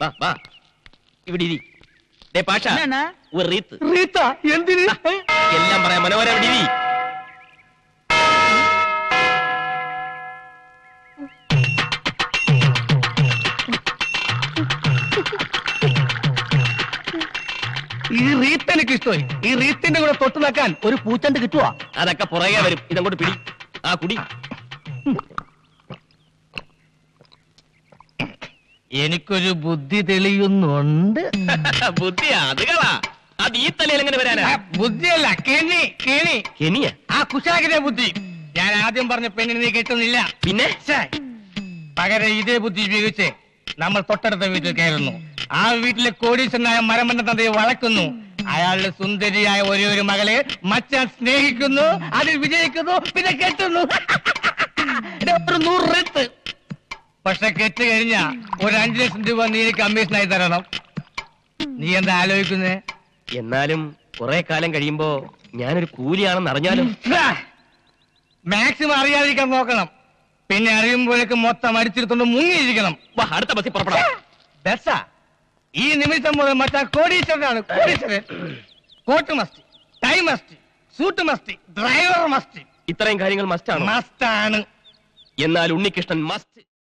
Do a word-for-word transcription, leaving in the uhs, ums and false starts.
വാ വാ ഇവിടെ ഇരി. ദേ പാഷ, ഒരു റീത്ത്. റീത്ത എന്തിന്? എല്ലാം പറയാം. മനോഹര ഇവിടെ ഇരി. ഈ റീത്ത് എനിക്ക് ഇഷ്ടമായി. ഈ റീത്തിന്റെ കൂടെ തൊട്ട് നിൽക്കാൻ ഒരു പൂച്ചണ്ട് കിട്ടുവാ. അതൊക്കെ പുറകെ വരും. ഇതങ്ങോട്ട് പിടി. ആ കുടി. എനിക്കൊരു ബുദ്ധി തെളിയുന്നുണ്ട്. ബുദ്ധിയാ? അത് കളാ. അത് ഈ തലയിൽ എങ്ങനെ വരാനാ? ബുദ്ധിയല്ല, കെണി കെണി. കെനിയ? ആ കുശാകിന്റെ ബുദ്ധി. ഞാൻ ആദ്യം പറഞ്ഞ പെണ്ണിന് നീ കിട്ടുന്നില്ല. പിന്നെ പകരം ഇതേ ബുദ്ധി ഉപയോഗിച്ച് നമ്മൾ തൊട്ടടുത്ത വീട്ടിൽ കയറുന്നു. ആ വീട്ടിലെ കോടീശ്വരനായ മരമണ്ട തന്തയെ വളക്കുന്നു. അയാളുടെ സുന്ദരിയായ ഒരേ ഒരു മകളെ മച്ചാൻ സ്നേഹിക്കുന്നു, അതിൽ വിജയിക്കുന്നു, പിന്നെ കെട്ടുന്നു. ഒരു നൂറ് റെത്ത്. പക്ഷെ കെട്ട് കഴിഞ്ഞ ഒരു അഞ്ചു ലക്ഷം രൂപ നീ കമ്മീഷനായി തരണം. നീ എന്താ ആലോചിക്കുന്നേ? എന്നാലും കുറെ കാലം കഴിയുമ്പോ ഞാനൊരു കൂലിയാണെന്ന് അറിഞ്ഞാലും മാക്സിമം അറിയാതിരിക്കാൻ നോക്കണം. പിന്നെ അറിയുമ്പോഴേക്ക് മൊത്തം അടിച്ചിരുത്തോണ്ട് മുങ്ങിയിരിക്കണം. അടുത്ത ബസ്സിൽ പുറപ്പെടാം. ബസ്സാ? ഈ നിമിഷം മുതൽ മറ്റാ കോടീശ്വരനാണ്. കോടീശ്വരൻ. Coat must, tie must, suit must, driver must. ഇത്രയും കാര്യങ്ങൾ മസ്റ്റാണ്. മസ്റ്റാണ്. എന്നാൽ ഉണ്ണികൃഷ്ണൻ മസ്റ്റ്.